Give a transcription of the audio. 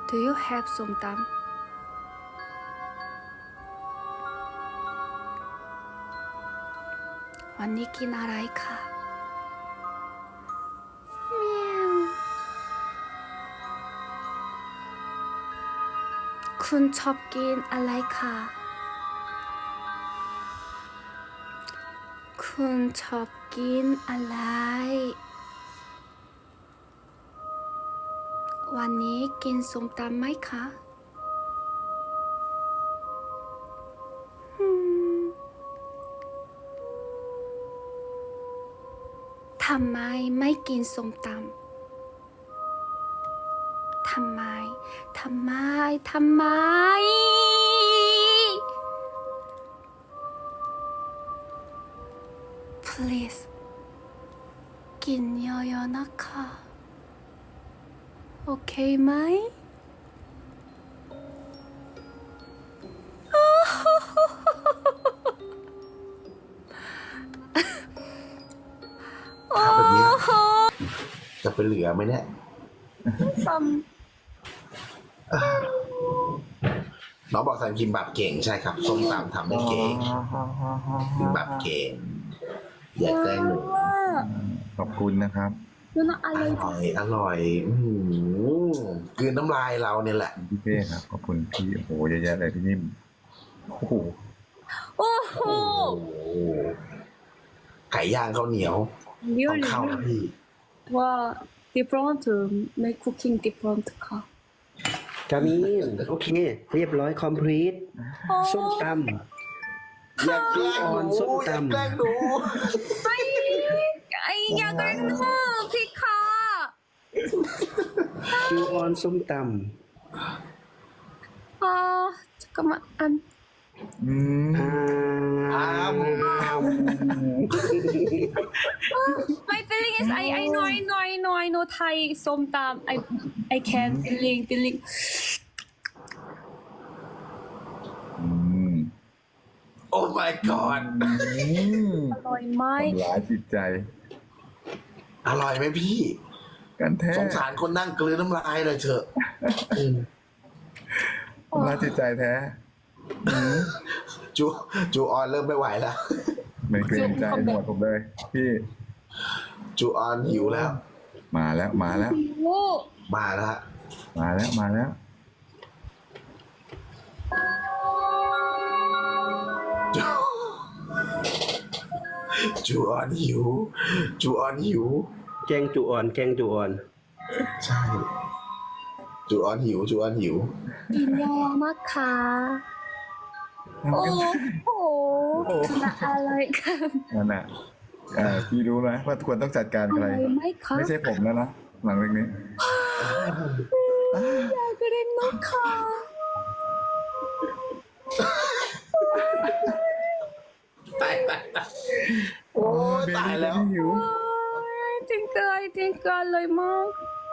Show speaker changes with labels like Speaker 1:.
Speaker 1: Do you have ส้มตำวันนี้กินอะไรคะเมียวคุณชอบกินอะไรคะคุณชอบกินอะไรวันนี้กินส้มตำไหมคะทำไมไม่กินส้มตำทำไม please กินเยอะๆนะคะโอเคไหม
Speaker 2: ถ้าแบบนี้จะไปเหลือไหมเนี่ย
Speaker 1: ซ้ำ
Speaker 2: น้องบอกทำกิมบับเก่งใช่ครับส้มตำทำได้เก่งกิมบับเก่งอย่าแกล้งหนู
Speaker 3: ขอบคุณนะครับ
Speaker 1: ดูน่าอ
Speaker 2: อ
Speaker 1: ร่อย
Speaker 2: ร่อยอร่อยกลืนน้ำลายเราเนี่ยแหละ
Speaker 3: พี่เป้ครับขอบคุณพี่โอ้โหเยอะแยะเลยพี่นิ่มโอ้โห
Speaker 1: โอ้โห
Speaker 2: โอ้โหไก่ย่างข้าวเหนียวต้องเข้านะพี่
Speaker 1: ว่า different make cooking different ค่ะ
Speaker 4: กามินโอเค เรียบร้อย complete ส้มต
Speaker 2: อย่าแกล้งหนู
Speaker 4: ส้ม
Speaker 2: อย่า
Speaker 4: ตำ
Speaker 2: แกล้งหนู
Speaker 1: ไอ้อยากได้หนูพี่ค่ะ
Speaker 4: ำจูออนส้มต
Speaker 1: 잠깐만
Speaker 3: อืม
Speaker 4: ำ
Speaker 2: อ้าม
Speaker 1: my feeling is I know Thai ส้มตำ I can feeling
Speaker 3: อืม
Speaker 2: โอ้ my god
Speaker 3: อืม
Speaker 1: อร่อยไหม
Speaker 3: ทำร้ายจิตใจ
Speaker 2: อร่อยไหมพี่
Speaker 3: กันแท้
Speaker 2: สงสารคนนั่งกลืนน้ำลายเลยเถอะอืม
Speaker 3: ทำร้ายจิตใจแท้
Speaker 2: จูออนเริ่มไม่ไหวแล้ว
Speaker 3: ไม่เกรงใจหมดผมเลย พี่
Speaker 2: จูออนหิวแล้ว
Speaker 3: มาแล้ว
Speaker 1: โอ้
Speaker 2: มาแล้ว
Speaker 3: มาแล้ว
Speaker 2: จูออนหิว จูออนหิว
Speaker 4: แกงจูออน แกงจูออน
Speaker 2: ใช่ จูออนหิว จูออนหิว
Speaker 1: กินเยอะมากค่ะโอ้โหน่าอร่อยค่ะ
Speaker 3: นั่นน่ะพี่รู้ไหมว่าควรต้องจัดการ
Speaker 1: อ
Speaker 3: ใคร
Speaker 1: ร่อยไหมคะ
Speaker 3: ไม่ใช่ผมแล้วนะหลังเรื่องนี้
Speaker 1: อยากได้หนูค่ะ
Speaker 2: ตายโอ้ยตายแล้ว
Speaker 3: หิว
Speaker 1: I think อร่อยมาก